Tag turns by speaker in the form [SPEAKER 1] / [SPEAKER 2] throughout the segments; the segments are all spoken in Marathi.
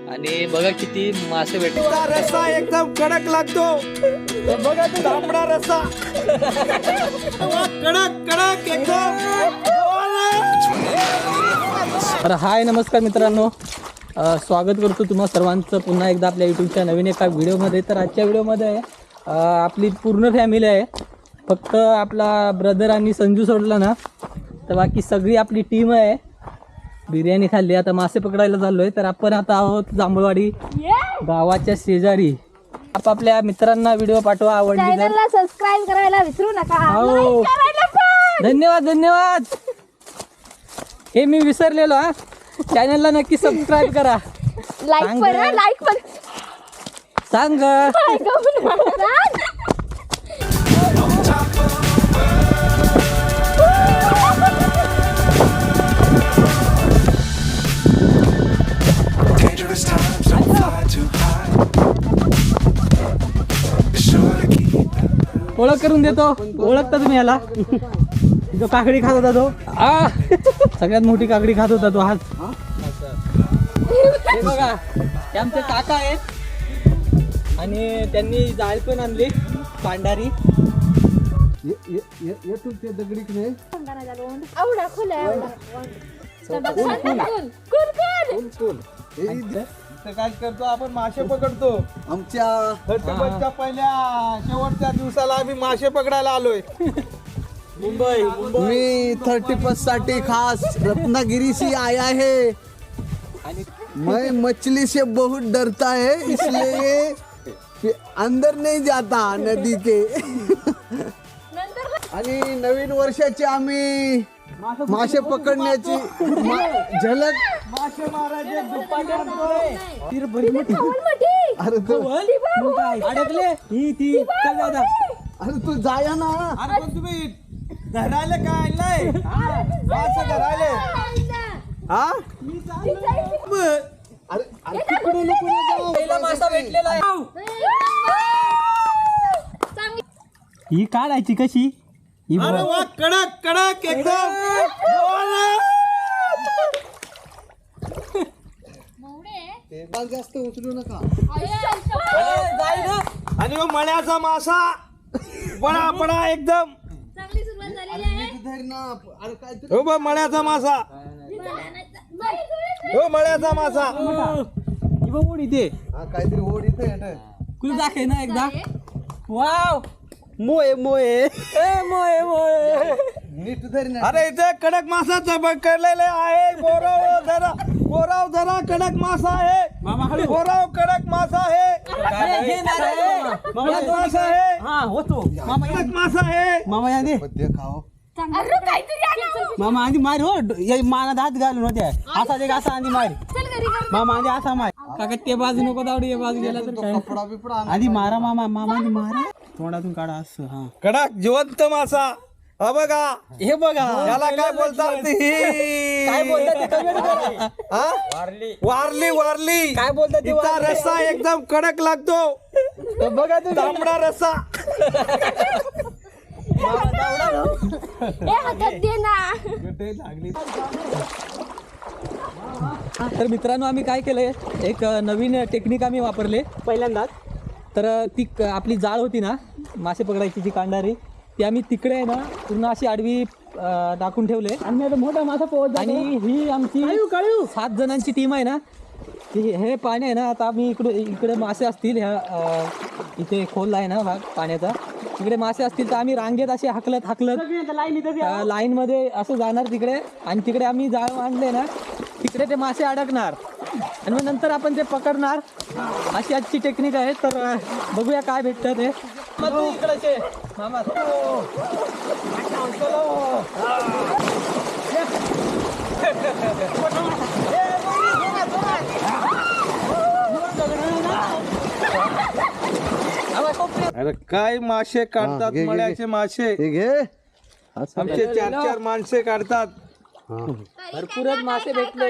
[SPEAKER 1] आणि बघा किती मासे भेटले.
[SPEAKER 2] रस्सा एकदम कडक लागतो. बघा तू तांबडा रस्सा कडक कडक एकदम.
[SPEAKER 1] तर हाय नमस्कार मित्रांनो, स्वागत करतो तुम्हा सर्वांचं पुन्हा एकदा आपल्या यूट्यूबच्या नवीन एका व्हिडिओमध्ये. तर आजच्या व्हिडिओमध्ये आपली पूर्ण फॅमिली आहे. फक्त आपला ब्रदर आणि संजू सोडला ना तर बाकी सगळी आपली टीम आहे. बिर्याणी खाल्ली, आता मासे पकडायला चाललो आहे. तर आपण आता आहोत जांभळवाडी गावाच्या शेजारी. आपापल्या मित्रांना व्हिडिओ पाठवा, आवडली तर
[SPEAKER 3] सबस्क्राइब करायला विसरू नका.
[SPEAKER 1] हो. धन्यवाद धन्यवाद. हे मी विसरलेलो हा. चॅनलला नक्की सबस्क्राईब करा.
[SPEAKER 3] लाईक पण लाईक पण
[SPEAKER 1] सांग. ओळख करून देतो. ओळखता तुम्ही याला? जो काकडी खात होता तो, सगळ्यात मोठी काकडी खात होता तो हाच. हे बघा, हे आमचे काका आहेत आणि त्यांनी जाळ पण आणली पांढारी.
[SPEAKER 2] काय करतो आपण? मासे पकडतो. आमच्या 31च्या पहिल्या शेवटच्या दिवसाला आम्ही मासे पकडायला आलोय.
[SPEAKER 1] मुंबई
[SPEAKER 4] मी 31 साठी खास रत्नागिरी से आया है. मैं मछली से बहुत डरता है, इसलिए अंदर नहीं जाता नदी के. आणि नवीन वर्षाची आम्ही मासे पकडण्याची झलक.
[SPEAKER 2] मासे मारायचे
[SPEAKER 4] अरे तू
[SPEAKER 1] अडकले ही ती. चल दादा.
[SPEAKER 4] अरे तू जाया ना.
[SPEAKER 2] अरे पण तुम्ही धरायला काय आणलंय? मासे धरायले.
[SPEAKER 4] हा अरे तिकडे नको ना जाऊ.
[SPEAKER 1] पहिला मासा भेटलेला आहे. ही काढायची कशी? ही
[SPEAKER 2] अरे वा, कडक कडक एकदम.
[SPEAKER 4] जास्त उचलू नका.
[SPEAKER 2] आणि मग मळ्याचा मासा बडा बडा एकदम.
[SPEAKER 4] धर ना. अरे काय तू
[SPEAKER 2] हो बा, मळ्याचा मासा. हो, मळ्याचा मासा.
[SPEAKER 1] ही बघ ओढ इथे.
[SPEAKER 4] काहीतरी ओढ इथे
[SPEAKER 1] कुल दाखव ना एकदा. वाव, मोये मोये मोये मोये.
[SPEAKER 4] नीट धर ना.
[SPEAKER 2] अरे इथे कडक मासा पकडलेले आहे. बोराव धरा, बोराव धरा. कडक मासा आहे. बोराव कडक मासा आहे. कडक मासा आहे.
[SPEAKER 1] हा होतो मामा.
[SPEAKER 2] कडक मासा आहे.
[SPEAKER 1] मामा या दे.
[SPEAKER 4] पद्य खाओ.
[SPEAKER 1] मामा आधी मार हो. माना हात घालून होत्या. असा दे, असा आधी मार. मामा आधी असा मार. काका ते बाजू नको दावडी, या बाजू गेला तर काय.
[SPEAKER 4] कपडा बिपडा
[SPEAKER 1] आधी मारा मामा. मामा आधी मारा. तोंडातून काढा असं. हा
[SPEAKER 2] कडक जिवंत मासा. हा बघा,
[SPEAKER 1] हे बघा.
[SPEAKER 2] याला काय बोलतात?
[SPEAKER 1] काय बोलतात ते comment करा.
[SPEAKER 2] हा? वारली वारली.
[SPEAKER 1] काय बोलतात ते
[SPEAKER 2] इथला
[SPEAKER 1] वारली.
[SPEAKER 2] रस्सा एकदम कडक लागतो.
[SPEAKER 1] तर बघा तुम्ही.
[SPEAKER 2] तांबडा रस्सा.
[SPEAKER 1] तर मित्रांनो, आम्ही काय केलंय, एक नवीन टेक्निक आम्ही वापरले पहिल्यांदाच. तर ती आपली जाळ होती ना मासे पकडायची, जी कांडारी, ती आम्ही तिकडे आहे ना पूर्ण अशी आडवी टाकून ठेवले. आणि आता मोठा मासा पोहोच. आणि ही आमची 7 जणांची टीम आहे ना. हे पाणी आहे ना, आता आम्ही इकडे मासे असतील. ह्या इथे खोल आहे ना भाग पाण्याचा, तिकडे मासे असतील. तर आम्ही रांगेत असे हाकलत लाईन मध्ये असं जाणार तिकडे. आणि तिकडे आम्ही जाळ मांडले ना, तिकडे ते मासे अडकणार आणि मग नंतर आपण ते पकडणार. अशी आजची टेक्निक आहे. तर बघूया काय भेटतं ते. इकडचे मामा.
[SPEAKER 2] अरे काय मासे काढतात,
[SPEAKER 4] घे, घे,
[SPEAKER 2] मळ्याचे मासे.
[SPEAKER 4] हे घे.
[SPEAKER 2] आमचे 4-4 माणसे काढतात.
[SPEAKER 1] भरपूरच मासे भेटले.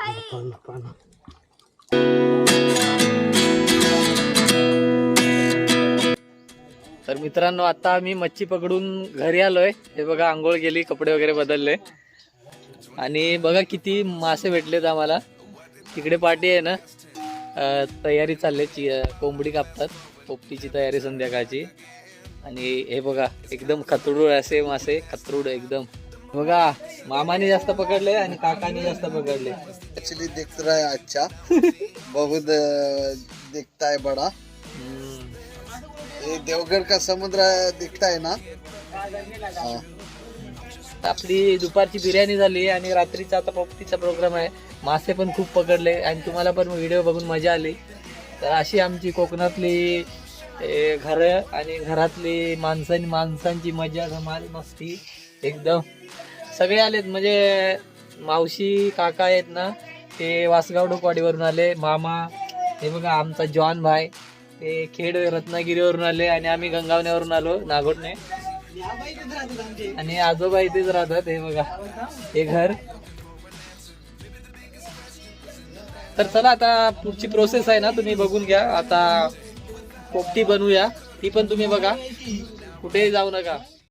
[SPEAKER 1] तर मित्रांनो, आता आम्ही मच्छी पकडून घरी आलोय. हे बघा, आंघोळ गेली, कपडे वगैरे बदलले आणि बघा किती मासे भेटलेत आम्हाला. तिकडे पार्टी आहे ना, तयारी चालली कोंबडी कापतात, पोपटीची तयारी संध्याकाळची. आणि हे बघा एकदम खतरूड असे मासे, खतरूड एकदम. बघा मामाने जास्त पकडले आणि काकाने जास्त पकडले.
[SPEAKER 4] मछली दिख रहा है अच्छा बहुत दिखता है बड़ा. ये देवगढ़ का समुद्र दिखता है ना. हाँ.
[SPEAKER 1] आपली दुपारची बिर्याणी झाली आणि रात्रीचा आता पोपटीचा प्रोग्राम आहे. मासे पण खूप पकडले आणि तुम्हाला पण व्हिडिओ बघून मजा आली. तर अशी आमची कोकणातली घरं आणि घरातली माणसांची मजा धमाल मस्ती एकदम. सगळे आलेत म्हणजे मावशी काका आहेत ना ते वासगाव डोकवाडीवरून आले. मामा हे बघा आमचा जॉन भाई ते खेड रत्नागिरीवरून आले आणि आम्ही गंगावण्यावरून आलो नागोटने. आणि आजोबा इथेच राहतात. हे बघा हे घर. तर चला आता पुढची प्रोसेस आहे ना तुम्ही बघून घ्या. आता पोपटी बनवूया ती पण तुम्ही बघा, कुठेही जाऊ नका.